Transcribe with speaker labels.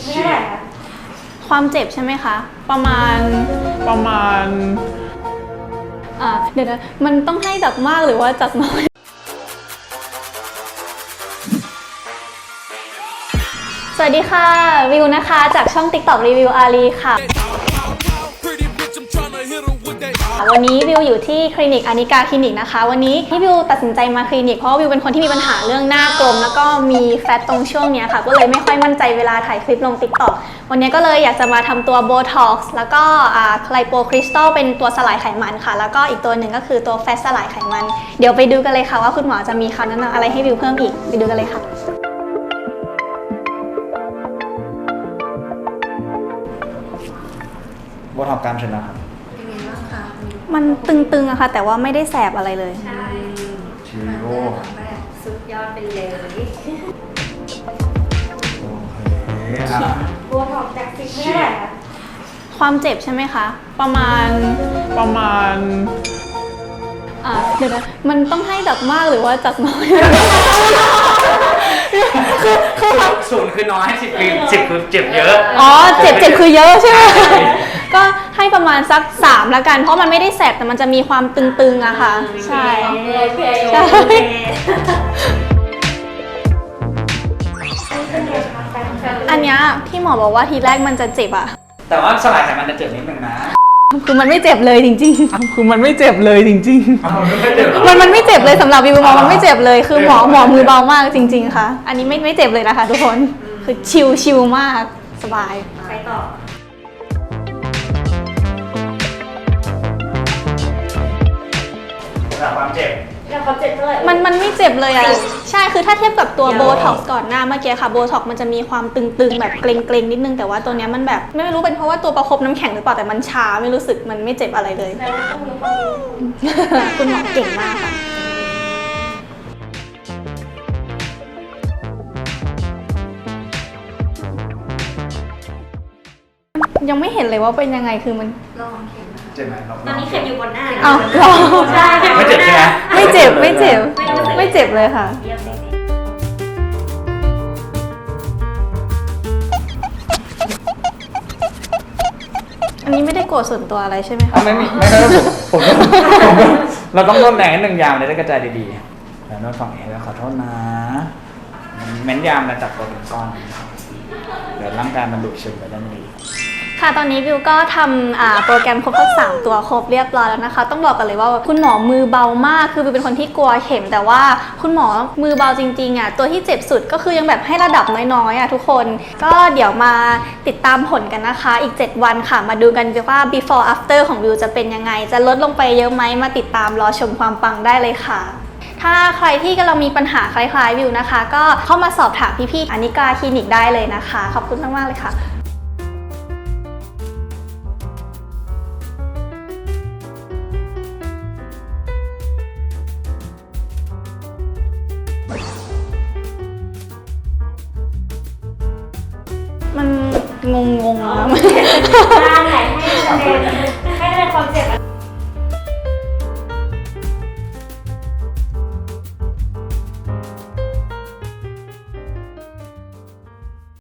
Speaker 1: ไม่เท่าไหร่ค่ะความเจ็บใช่ไหมคะประมาณเดี๋ยวนะมันต้องให้จากมากหรือว่าจากน้อยสวัสดีค่ะวิวนะคะจากช่อง TikTok รีวิวอารีค่ะวันนี้วิวอยู่ที่คลินิกอานิกาคลินิกนะคะวันนี้ที่วิวตัดสินใจมาคลินิกเพราะวิวเป็นคนที่มีปัญหาเรื่องหน้ากลมแล้วก็มีแฟตตรงช่วงนี้ค่ะก็เลยไม่ค่อยมั่นใจเวลาถ่ายคลิปลง TikTok วันนี้ก็เลยอยากจะมาทำตัวโบท็อกซ์แล้วก็ไลโปคริสตัลเป็นตัวสลายไขมันค่ะแล้วก็อีกตัวหนึ่งก็คือตัวแฟตสลายไขมันเดี๋ยวไปดูกันเลยค่ะว่าคุณหมอจะมีคำแนะนำอะไรให้วิวเพิ่มอีกไปดูกันเลยค่ะ
Speaker 2: โบท็อกซ์กล้ามเนื้อครับ
Speaker 3: เป็นไงบ้างคะ
Speaker 1: มันตึงๆอะค่ะแต่ว่าไม่ได้แสบอะไรเลย
Speaker 3: ใช่
Speaker 2: ชิโร่
Speaker 3: แบบสุดยอดไปเลย
Speaker 2: โอเค
Speaker 3: โบท็อกจาก10ไม่เท่าไหร่ค่ะ
Speaker 1: ความเจ็บใช่ไหมคะประมาณเดี๋ยวนะมันต้องให้จากมากหรือว่าจากน้อย
Speaker 2: ศูนย์คือน้อย10คือเจ็บเยอะ
Speaker 1: อ๋อเจ็บคือเยอะใช่ไหมก็ให้ประมาณสัก3แล้วกันเพราะมันไม่ได้แสบแต่มันจะมีความตึงๆอะค่ะใช่ใช่อันเนี้ยที่หมอบอกว่าทีแรกมันจะเจ็บอะ
Speaker 2: แต่ว่าสลายไขมันจะเจ็บนิดนึงนะ
Speaker 1: คือมันไม่เจ็บเลยจริงๆคือมันไม่เจ็บเลยจริงๆมันไม่เจ็บเลยสำหรับวิวมองมันไม่เจ็บเลยคือหมอมือเบามากจริงๆค่ะอันนี้ไม่เจ็บเลยนะคะทุกคนคือชิลมากสบาย
Speaker 3: ไปต่อ
Speaker 2: ความเจ็บ
Speaker 3: แล้วเขาเจ็บเท่าไหร่
Speaker 1: มันไม่เจ็บเลยอ่ะใช่คือถ้าเทียบกับตัวโบท็อกซ์ก่อนหน้าเมื่อกี้ค่ะโบท็อกซ์มันจะมีความตึงๆแบบเกร็งๆนิดนึงแต่ว่าตัวเนี้ยมันแบบไม่รู้เป็นเพราะว่าตัวประคบน้ำแข็งหรือเปล่าแต่มันชาไม่รู้สึกมันไม่เจ็บอะไรเลยคุณหมอเก่งมากค่ะยังไม่เห็นเลยว่าเป็นยังไงคือมัน
Speaker 3: ลองเข็มนะคะ
Speaker 2: เจ็บไหม
Speaker 3: ตอนนี้เข็มอยู่บนหน้า
Speaker 1: อ้าว
Speaker 3: ใช่
Speaker 2: ไม่เจ็บใช่ไหม
Speaker 1: ไม่เจ็บเลยค่ะอันนี้ไม่ได้โกรธส่วนตัวอะไรใช่ไหมคะ
Speaker 2: ไม่ได้ผมเราต้องโดนแรงนิดนึงยามเลยได้กระจายดีๆแล้วโน้ตฝั่งเองแล้วขอโทษนะเม้นยามมาจับตัวเป็นก้อนเดี๋ยวร่างกายมันดูดซึมไปได้ไม่ดี
Speaker 1: ค่ะตอนนี้วิวก็ทำโปรแกรมครบทั้ง3ตัวครบเรียบร้อยแล้วนะคะต้องบอกกันเลยว่าคุณหมอมือเบามากคือวิวเป็นคนที่กลัวเข็มแต่ว่าคุณหมอมือเบาจริงๆอ่ะตัวที่เจ็บสุดก็คือยังแบบให้ระดับน้อยๆอ่ะทุกคนก็เดี๋ยวมาติดตามผลกันนะคะอีก7วันค่ะมาดูกันว่า before after ของวิวจะเป็นยังไงจะลดลงไปเยอะไหมมาติดตามรอชมความปังได้เลยค่ะถ้าใครที่กำลังมีปัญหาคล้ายๆวิวนะคะก็เข้ามาสอบถามพี่ๆอานิกาคลินิกได้เลยนะคะขอบคุณมากๆเลยค่ะมันงงๆนะ